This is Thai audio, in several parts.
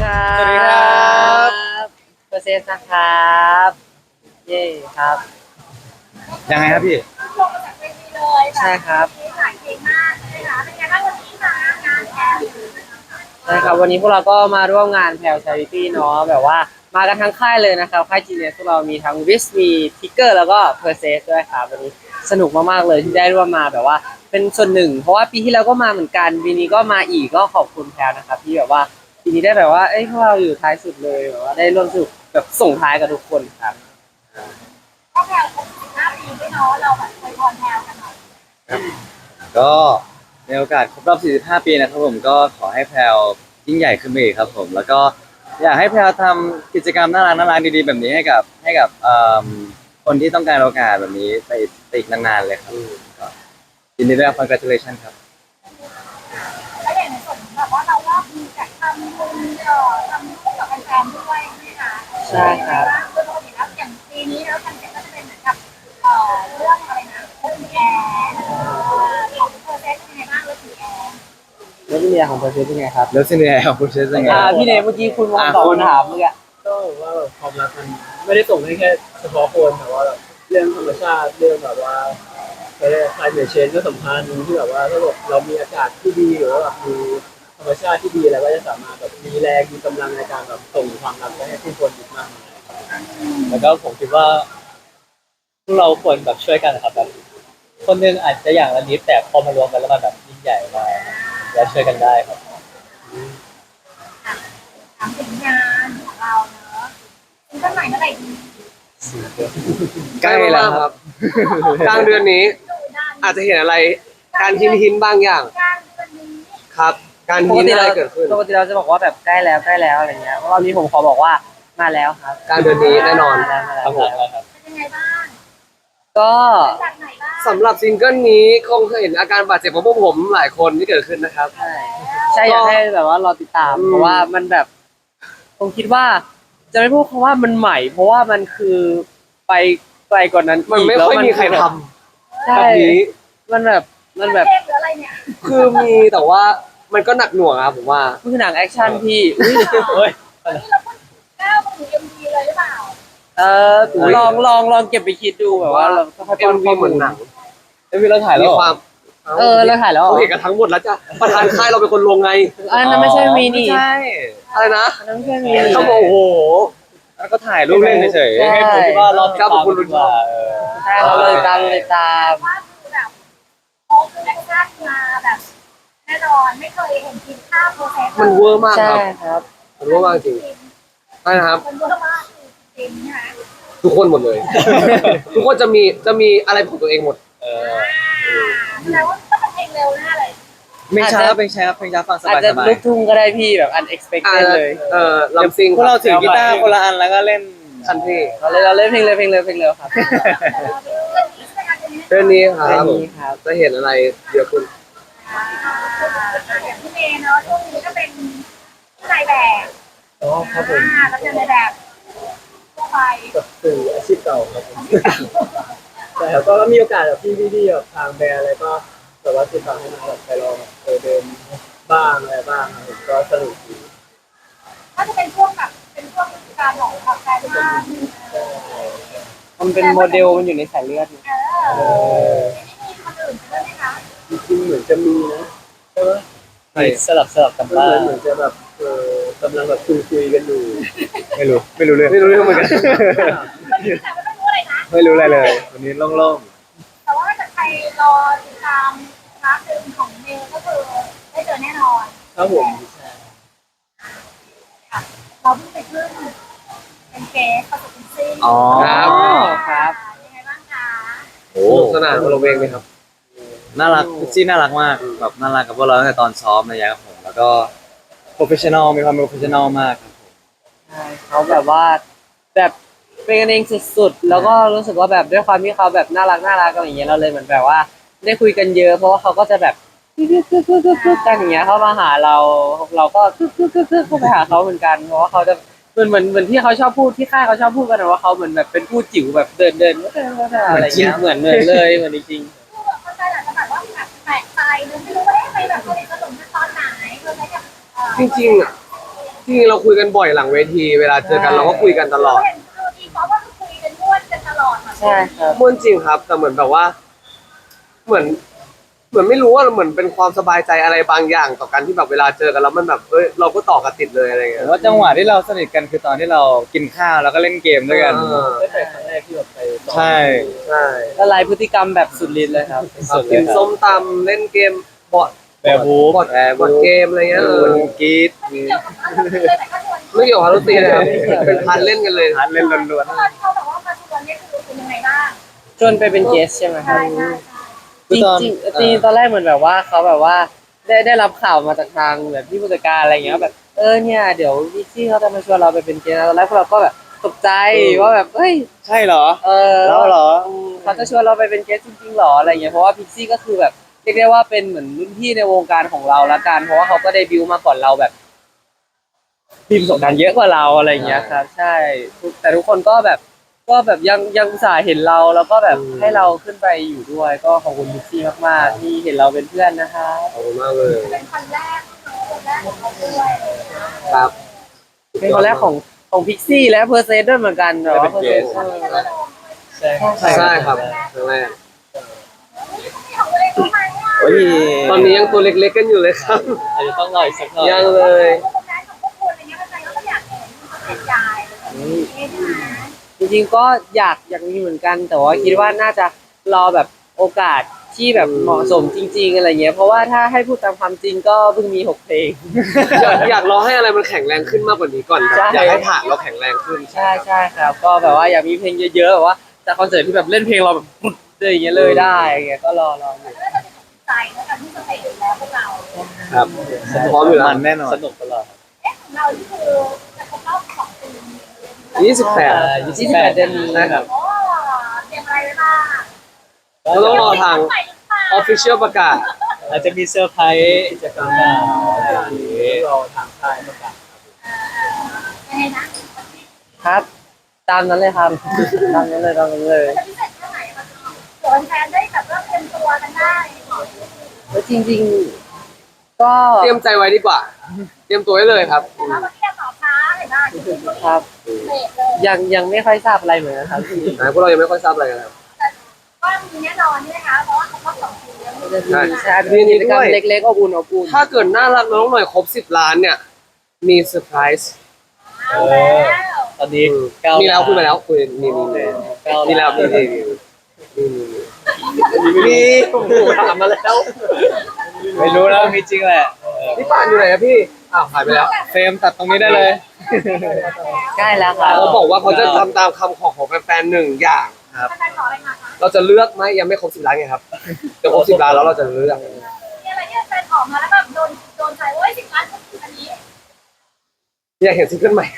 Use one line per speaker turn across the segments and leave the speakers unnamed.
ครับ
สวัสดีครับ
เปอร์เซ็นต์นะครับเย้ครับ
ยังไงครับพี่
ลงมาจากเวทีเลย
ใช่ครับ
มีหลายเพลงมากใช่ไหมคะเป็นไงบ้างวันนี้มางานแอล
ใช่ครับวันนี้พวกเราก็มาร่วมงานแพลวชาริตี้เนาะแบบว่ามากันทั้งค่ายเลยนะครับค่ายจีเนสพวกเรามีทั้งวิสมีทิกเกอร์แล้วก็เพอร์เซสด้วยครับวันนี้สนุกมากๆเลยที่ได้ร่วมมาแบบว่าเป็นส่วนหนึ่งเพราะว่าปีที่แล้วก็มาเหมือนกันปีนี้ก็มาอีกก็ขอบคุณแพลวนะครับที่แบบว่าปีนี้ได้แบบว่าเอ้ยพวกเราอยู่ท้ายสุดเลยแบบว่าได้ร่วมสนุกแบบส่งท้ายกับทุกคนครับ
ก็แพลครบ15 ปีด้วยเนาะเราแบบเคยพรแพลกันหน่อย
ก็ในโอกาสครบรอบ 45 ปีนะครับผมก็ขอให้แพลวยิ่งใหญ่ขึ้นไปอีกครับผมแล้วก็อยากให้แพลวทำกิจกรรมน่ารักดีๆแบบนี้ให้กับคนที่ต้องการโอกาสแบบนี้ไปอีกนานๆเลยครับก็ยินดีด้วย congratulation ครับ
แล้วอย่างในส่วนแบบว่าเรารอบมีจัดทำบุญทำคู่กับแฟนๆด้วยใช่ไหมคะ
ใช่ครับ
โดยปกติแล้วอย่างปีนี้แล้วคอนเซ็ปต์ก็จะเป็นเหมือนกับเรื่องอะไรนะคุณแอร์ของเธอเป็นยังไงบ้างเรื่องคุณแอร์
แล้วพี่เนียของเพอร์เซสเป็นไงครับ
แล้วซีเนียร์ของคุณเชสยังไง
พี่เนยเมื่อกี้คุณมองตอบคำถามเมื่อกี้
ก็แบบว่าแบบความรักมันไม่ได้ส่งให้แค่เฉพาะคนแต่ว่าแบบเรื่องธรรมชาติเรื่องแบบว่าclimate change ก็สำคัญที่แบบว่าถ้าแบบเรามีอากาศที่ดีหรือว่าแบบมีธรรมชาติที่ดีแล้วก็จะสามารถแบบมีแรงมีกำลังในการแบบส่งความรักไปให้ผู้คนอีกมากมายแล้วก็ผมคิดว่าพวกเราควรแบบช่วยกันนะครับแบบคนหนึงอาจจะอย่างละนิดแต่พอมารวมกันแล้วมันแบบยิ่งใหญ่มากแล้วช่วยกันได้ครับ
ถามถึงงานของเราเนอะซิงเกิลใหม่เมื่อไหร่ดี
ใกล้แล้วครับ
กลางเดือนนี้
ดูด้าน
อาจจะเห็นอะไรการหินบางอย่าง
การวันนี้
ครับ การ
ป
หิ
ก
น
ติ
อะไร
เรา
เกิดขึ้น
ปกติเราจะบอกว่าแบบใกล้แล้วใกล้แล้วอะไรเงี้ยรอบนี้ผมขอบอกว่ามาแล้วครับ
กลางเดือนนี้แน่นอน
มาแล้ว
ครับผมครับ
เป็นยังไงบ้าง
ก็
จากไหนบ้าง
สำหรับซิงเกิลนี้คงเคยเห็นอาการบาดเจ็บของพวกผมหลายคนที่เกิดขึ้นนะครับ
ใช่ใช่อยากให้แบบว่ารอติดตามเพราะว่ามันแบบผมคิดว่าจะไม่พูดคำว่ามันใหม่ เพราะว่ามันคือไปไกลกว่านั้น
มัน
อีก
ไม่
แล้ว
ค่อยมีใครทำ
ใช่
แบบนี้
มันแบบมันแบบ
เพลงหรืออะไรเนี่ย
คือมีแต่ว่ามันก็หนักหน่วงครับผมว่า
มันคือหนังแอคชั่นที่อุ๊ย
เฮ้ย
นี่เราพูดก้าวมาถึง MV เลยหรือเปล่า
เออลองเก็บไปคิดดูแบบว่าเราค่อยๆ
เอ็
ป้อ
ม
น
วี
ข้อ
เห
มู
มือน
ล
หนัง
เอ้ยเราถ่ายแล้ว
มี
เหรอ
ความ
เออเราถ่ายแล้วเหรอ
เขาเห็นกันทั้งหมดแล้วจ้ะประธานค่ายเราเป็นคนลงไง
อันนั้นไม่ใช่มีนี่
ไม่ใช่
อะไรนะ
อันนั้นไม่ใช่มีนี่
เขาบอกโอ้โห
แล้วก็ถ่ายรูปเล่นเฉย
ใช่
ๆให้ผมคิดว่ารอติด
ครับ
ตาม
ขอบคุณ
ดีกว่าเออ
ใช่เขาเลยตามเลยตาม
ว่าคือแบบโอ้คือแอคชั่นมาแบบแน่นอนไม่เคยเห็นทีมภาพโปรเซส
มันเวอร์มากค
ใช่
รับ
ครับ
มันเวอร์มากจริงใช่นะครับ
มันเวอร์มากจริงใช่ไหม
ทุกคนหมดเลย ทุกคนจะมีอะไรของตัวเองหมด
เออ
แสดงว่าต้องเป็นเพลงเร็วแน่เลย
เพลงช้าเพลงช้าเพลงช้าฟังส
อาจ
บาย
จะ
สบาย
ลูกทุ่งก็ได้พี่แบบ unexpected เลย
ลำซิง
พวกเราถือกีตาร์คนละอันแล้วก็เล่น
คันที่
เราเล่นเพลงเร็วครับ
เรื่องนี้ค
เพล
รับ
งนี้ครับ
จะเห็นอะไรเยอะขึ้น
อย่างพี่เมย์เนาะช่วงนี้ก็เป็นนายแบบ
อ๋อครับผม
แล้วเป็นนายแบบทั่วไป
กับสื่ออาชีพเก่าครับผมแต่ก็มีโอกาสแบบพี่ๆแบบทางแบรนด์อะไรก็แบบว่าติดต่อให้มาแบบไปลองเดินบ้างอะไรบ้างครับผมก็สนุกดี
ก็จะเป็นช่วงแบบเป็นช่วงการของแฟนมาก
มันเป็นโมเดลมันอยู่ในสายเลือด
มีคนอื่นด้วยไหมคะ
จริงๆเหมือนจะมีนะใช่ไหม
สลับกัน
มัน
บ้าง
เหมือนจะแบบกำลังแบบคุยกันอยู่
ไม่รู้เรื่อง
ไม่รู้เรื่องเหมือนกัน
แต่ว่าไม่รู้อะไรนะ
ไม่รู้อะไรเลย วันนี้โล่ง
แต่ว่าถ้าใครรอติดตามคลาสหนึ่งของเมย์ก็คือได้เจอแน่นอน
ครับผม
เราเพิ่งไปขึ้นเป็นเกสประสบการณ์ซิ่ง
ๆอ๋อ
ครับ
ยังไงบ้างคะ
โอ้
สนุกสนานคนละเวงเลยครับ
น่ารักพิชชี่น่ารักมากแบบน่ารักกับพวกเราตั้งแต่ตอนซ้อมเลยครับผมแล้วก็โปรเฟชชั่นอลมีความโปรเฟชชั่นอลมากครับผม
ใช่เขาแบบว่าแบบเป็นกันเองสุดๆแล้วก็รู้สึกว่าแบบด้วยความที่เขาแบบน่ารักอะไรอย่างเงี้ยเราเลยเหมือนแบบว่าได้คุยกันเยอะเพราะว่าเขาก็จะแบบกันอย่างเงี้ยเขามาหาเราก็เข้าไปหาเขาเหมือนกันเพราะว่าเขาจะเหมือนที่เขาชอบพูดที่ค่ายเขาชอบพูดกันนะว่าเขาเหมือนแบบเป็นผู้จิ๋วแบบเดินอะไรเงี้ยเหมือนเลยเหมือนจริง
คือแบบเข้าใจแหละแต่แบบว่าแบบแปลกใจนึกไม่รู้ว่าไปแบบสนิทสนมกันตอนไหนคือใช้กับ
จริงๆอ่ะจริงๆเราคุยกันบ่อยหลังเวทีเวลาเจอกันเราก็คุยกันตลอด
เห็นคือทีป๊อปว่าคุยกันม่วนกันตลอด
ใช่ครับ
ม่วนจริงครับแต่เหมือนแบบว่า เหมือนไม่รู้ว่าเหมือนเป็นความสบายใจอะไรบางอย่างต่อกันที่แบบเวลาเจอกันแล้วมันแบบเราก็ต่อกันติดเลยอะไร
ผ
เงี้
ม
ย
ว่าจังหวะที่เราสนิทกันคือตอนที่เรากินข้าวแล้วก็เล่นเกมด้วยกัน
ได้ไปครั้งแรกที่แบบไปซ้อม
ใช่
ใช่
ละลายพฤติกรรมแบบสุดฤทธิ์เลยครับ
สุดเล
กิ
ย
น
ครับ
ส้มตำเล่นเกมบอร์ด
แบร์บูฟ
บอร์ดเกมอะไรเงี้ย
คนกรีด
ไม่เกี่ยวกับเราเลยแต่ก็ชวน
ไม่เกี่ยวกับฮารุตีนะครับเป็นพันเล่นกันเลย
ทานเล่นล้วน
ตอนที่เขาบอกว่ามาชวนเนี่ยคือยังไงบ้าง
จนไปเป็นเกสใช่ไหมครับ
ใช่ใช่
จริงจริงๆจริงๆตอนแรกเหมือนแบบว่าเขาแบบว่าได้รับข่าวมาจากทางแบบพี่ผู้จัดการอะไรเงี้ยแบบเนี่ยเดี๋ยววิซี่เขาจะมาชวนเราไปเป็นเกสนะตอนแรกพวกเราก็แบบตกใจว่าแบบเฮ้ย
ๆใช่เหรอ
แล้ว
เหรอ
เขาจะชวนเราไปเป็นเกสจริงๆหรออะไรเงี้ยเพราะว่าพิกซี่ก็คือแบบเรียกได้ว่าเป็นเหมือนรุ่นพี่ในวงการของเราละกันเพราะว่าเขาก็เดบิวต์มาก่อนเราแบบมีประสบการณ์เยอะกว่าเราอะไรเงี้ยครับใช่แต่ทุกคนก็แบบยังอุตส่าห์เห็นเราแล้วก็แบบให้เราขึ้นไปอยู่ด้วย ก็ขอบคุณพิกซี่มากๆที่เห็นเราเป็นเพื่อนนะคะ
ขอบคุณมากเลย
เป็นคนแรกของเขาด้วย
ครับ
เป็นคนแรกของพิกซี่และเพอร์เซนด้วยเหมือนกันแต่ว่า
เป็นเกส
ใช่
ใช่ครับครั้งแรก
ของเลยทำไมอ่ะ
โอ้ย
ตอนนี้ยังตัวเล็กๆกันอยู่เลยครับ
อาจจะต้องรออีกสักหน่อย
ยังเลย
พวกนั้นของพวกคุณอะไรเงี้ยใครก็อยากเห็นเป็นยายใช่ไหม
จริงๆก็อยากมีเหมือนกัน แต่ว่าคิดว่าน่าจะรอแบบโอกาสที่แบบเหมาะสมจริง ๆอะไรเงี้ยเพราะว่าถ้าให้พูดตามความจริงก็เพิ่งมี6เพลง
อยากรอให้อะไรมันแข็งแรงขึ้นมากกว่านี้ก่อน
ใช่
อยากให้ฐานเราแข็งแรงขึ้น
ใช่ครับ ก็แบบว่าอยากมีเพลงเยอะๆแบบว่าจากคอนเสิร์ตที่แบบเล่นเพลงเราแบบปุ๊บเลยอย่างเงี้ยเลยได้อย่างเงี้ยก็รออยู่
แล้วก็จะใจแล้วกันที่สเตจแล้วพวกเรา
ครับพร้อมอยู่แล้ว
มันแน่นอน
สนุกตลอด
ของเราที่คือจะครบรอบ2 ปี
28 เดือนนี้ครับ
โอ้เตรียมอะไรไว้บ้าง
เราต้องรอทาง official ประกาศ
อาจจะมีเซอร์ไพรส์กิจกรรมหน้าอะไรอย่างนี้รอทางค่ายประกาศ
ยังไงนะครับ
ตามนั้นเลยครับ ตามนั้นเลย
จะพิเศษแค่ไหนคะเผื่อแฟนได้แบบเริ่มเตรียมตัวกันได้
แล้วจริงๆ ก็
เตรียมใจไว้ดีกว่า เตรียมตัวไว้เลยครับ
แต่ว่าวันนี้ตอบช้าเห็นไหมจริงๆ
ครับ
เบรกเลย
ยังไม่ค่อยทราบอะไรเหมือนกันครับ
พวกเรายังไม่ค่อยทราบอะไรกันครับ
ก็มีแน่นอนนี่นะคะเพราะว่าครบรอบ2 ปีแล้ว
ใช่เป็นกิจกรรมเล็กๆอบอุ่นอบอุ่น
ถ้าเกิดน่ารักน้องหน่อยครบ10 ล้านเนี่ย มีเซอร์ไพรส์
เอาแล้ว
ตอนนี้
มีแล้วคุยมาแล้วคุยมีมีแล้วมีถามมาแล้ว
ไม่รู้แล้วมีจริงแหละ
พี่ป่านอยู่ไหนครับพี่อ้าวหายไปแล้ว
เฟรมตัดตรงนี้ได้เลย
ใกล้แล้วครับ
เขาบอกว่าเขาจะทำตามคำขอของแฟนๆ1 อย่าง
แฟนขออะไรมาคะ
เราจะเลือกไหมยังไม่ครบ10 ล้านไงครับจะครบ10 ล้านแล้วเราจะเลือก
มีอะไรที่แฟนขอมาแล้วแบบโดนใจโอ้ย10 ล้านอันนี้
อยากเห็นซิงเกิลใหม่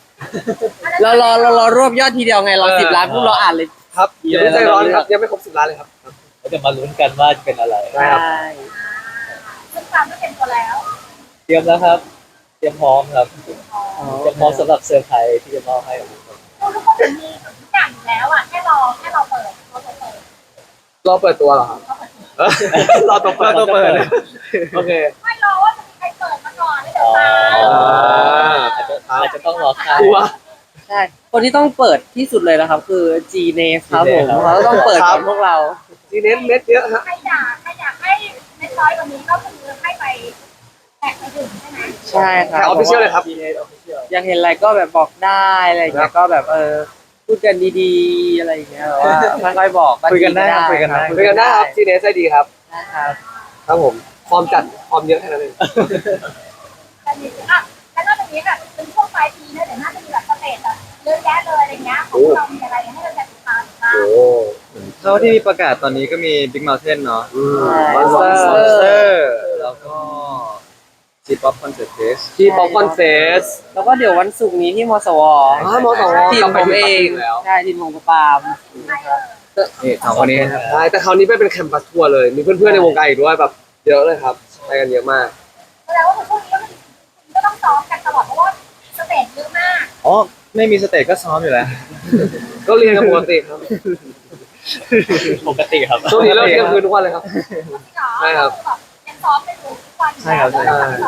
เรารวบยอดทีเดียวไงเรา10 ล้านปุ๊บเราอ่านเลย
ครับอย่าเพิ่งใจร้อนครับยังไม่ครบ10 ล้านเลยครับ
เราจะมาลุ้นกันว่าจะเป็นอะไร
ได้ครับ
ซึ่งตามก็เป็นตัวแล้ว
เตรียมแล้วครับ เตรียมพร้อมครับเตรียมพร้อมสำหรับเซอร์ไพรส์ที่จะมอบให้กับทุกคน
ทุกคนมีทุกอย่างอยู่แล้วอ่ะแค่รอเปิดเราเปิด
รอเปิดตัวเหรอครับรอตัวเปิด โอเค
ไม่รอว่าจะมีใครเปิดมาก่อนแล้วเดี๋ยวตาม
อาจจะต้องรอค่าย
กลัว
ใช่ คนที่ต้องเปิดที่สุดเลยนะครับ คือ G n a ครับผม
G-Nate
เขาต้องเปิดก่อนพวกเรา
ทีเน้นเม็ดเยอะฮะ
ใครอยากให้เล็กน้อยกว่านี้ก็คือให้ไปแตะไปถึงใช่ไหม
ใช่ค
แค่
รับ
ออฟฟิเชียลเลยครับ
ทีเอออฟฟิเชียล
อยากเห็นอะไรก็แบบบอกได้อะไรอย่างเงี้ยก็แบบพูดกันดีๆอะไรอย่างเงี้ยแบบว่าค่อยๆบอก
คุยกันได้ครับคุยกันได้
คุยกันได้ครับทีเนสได้ดีครับ
นะครับ
ครับผมความจัดความเยอะแค่นั้นเอง
แต่นี่อ่ะแล้วนอกจากนี้ค่ะเป็นช่วงปลายปีเนี่ยเดี๋ยวน่าจะมีแบบสเตจแบบเยอะแยะเลยอะไรเงี้ยของเรามีอะไรให้เราติดตามบ้าง
โอ้
เท่าที่มีประกาศตอนนี้ก็มี Big Mountain เนาะ
Monster
แล้วก็ G-pop Concert Fest
ที่ป๊อปคอนเฟส
แล้วก็เดี๋ยววันศุกร์นี้ที่มสว
มสว
ทีม
กลับไป
ผม
ที่
เอ
ปัก
ง
กิ่งแล้ว
ใช่ทีมของปาล์ม
นี่สองคนนี้นะครับ
ใช่แต่คราวนี้ไปเป็นแคมปัสทัวร์เลย มีเพื่อนๆในวงการอีกด้วยแบบเยอะเลยครับไปกันเยอะมาก
แสดงว่าช่วงนี้ก็ต้องซ้อมกันตลอดเพราะว่าสเตจเยอะมาก
อ๋อ ไม่มีสเตจก็ซ้อมอยู่แล้ว
ก็เรียนกันปกติครับ
ปกติครับ
ช่วงนี้เราเที่ยงคืนทุกวันเลยครับ
จริงเหรอ
ใช่ครับ
ยังซ้อมไปอยู่ทุกวัน
ใช่ครับ
แล้วก็ซ้อม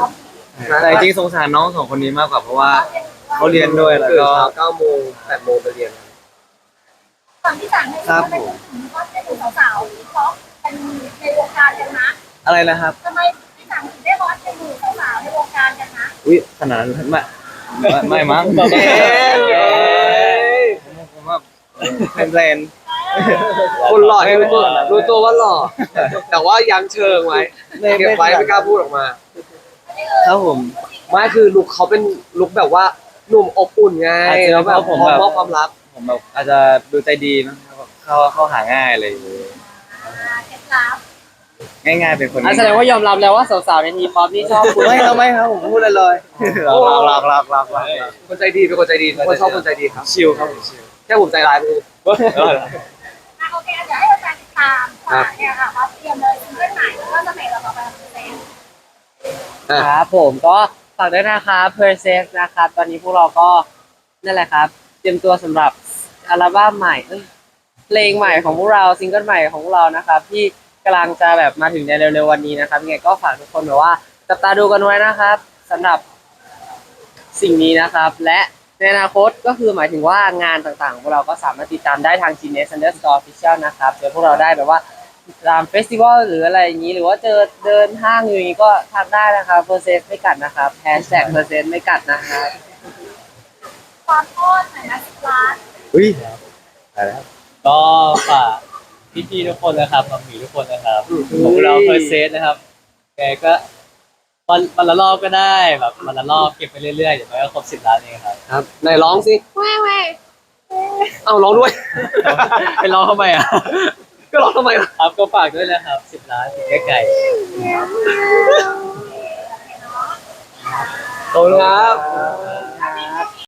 แต่จริงๆสงสารน้องสองคนนี้มากกว่าเพราะว่าเขาเรียนด้วยแล้ว
ตื่น
ก็
เช้า9 โมง 8 โมงไปเรียน
ก่อนที่สั่งให้เขาไปพูดถึงว่าจะดูสาวๆที่เขาเป็นในวงการกันนะ
อะไรนะครับ
ทำไมที่สั่งถึงได้บอสจะดูสาวๆในวงการกันนะ
อุ้ยขนาดนั้นไม่มั้ง
เอ๊ะ
ผมว่าเป็นแบรนด์
คนหล่อที่รู้ตัวว่าหล่อ แต่ว่ายังเชิงไว้ เก็บไว้ไม่กล้าพูดออกมา
ครับผม
ไม่คือลุคเขาเป็นลุคแบบว่าหนุ่มอบอุ่นไง
อาจจะ
แล้วแบบ
เพราะผม
พร้อม
แบบ
มอบความรัก
ผมแบบอาจจะดูใจดีมั้งเข้าหาง่ายอะไรอย่างเลย
เคล็ดลับ
ง่ายๆเป็นคน
แสดงว่ายอมรับแล้วว่าสาวๆในทีป๊อปนี่ชอบคุณ
ไม่ครับผมพูดลอยๆรัก
คนใจดีเป็นคนใจดีคนชอบคนใจดีครับ
ชิลครับผมชิล
แค่ผมใจร้ายไปเลย
โอเคเดี๋ยวให้แฟนติดตามเนี่ยค่ะว่าเตรียมเลยซิงเกิลใหม่แล้วก็จะเพลงเราต่อไปของเพลง
ครับผมก็ฝากด้วยนะครับ p e r s e นะครับตอนนี้พวกเราก็นั่นแหละครับ เตรียมตัวสำหรับอัลบั้มใหม่เพลงใหม่ของพวกเราซิงเกิลใหม่ของพวกเรานะครับ ที่กำลังจะแบบมาถึงในเร็วๆวันนี้นะครับยังไงก็ฝากทุกคนแบบว่าจับตาดูกันไว้นะครับสำหรับสิ่งนี้นะครับ และในอนาคตก็คือหมายถึงว่างานต่างๆของพวกเราก็สามารถติดตามได้ทาง Genius_Official นะครับเจอพวกเราได้แบบว่าตามเฟสติวัลหรืออะไรอย่างนี้หรือว่าเจอเดินห้างอยู่อย่างนี้ก็ทักได้นะครับเพอร์เซสไม่กัดนะครับแฮชแท็กเพอร์เซสไม่กัดนะครับ
ความอ้อนหน่อยนะ10 ล้าน
อุ้ยอะไรครับ
ก็ฝากพี่ๆทุกคนนะครับมามีทุกคนนะครับของเราเพอร์เซสนะครับแกก็วันละรอบก็ได้แบบวันละรอบเก็บไปเรื่อยๆเดี๋ยวมันก็ครบ10 ล้านเองครับ
ครับไหนร้องสิเอาร้องด้วย
ไปรอทำไมอ่ะ
ก็ร้องทำไมล่ะ
ครับก็ฝากด้วยนะครับ10 ล้านถึงไกลๆ
ขอบคุณครับ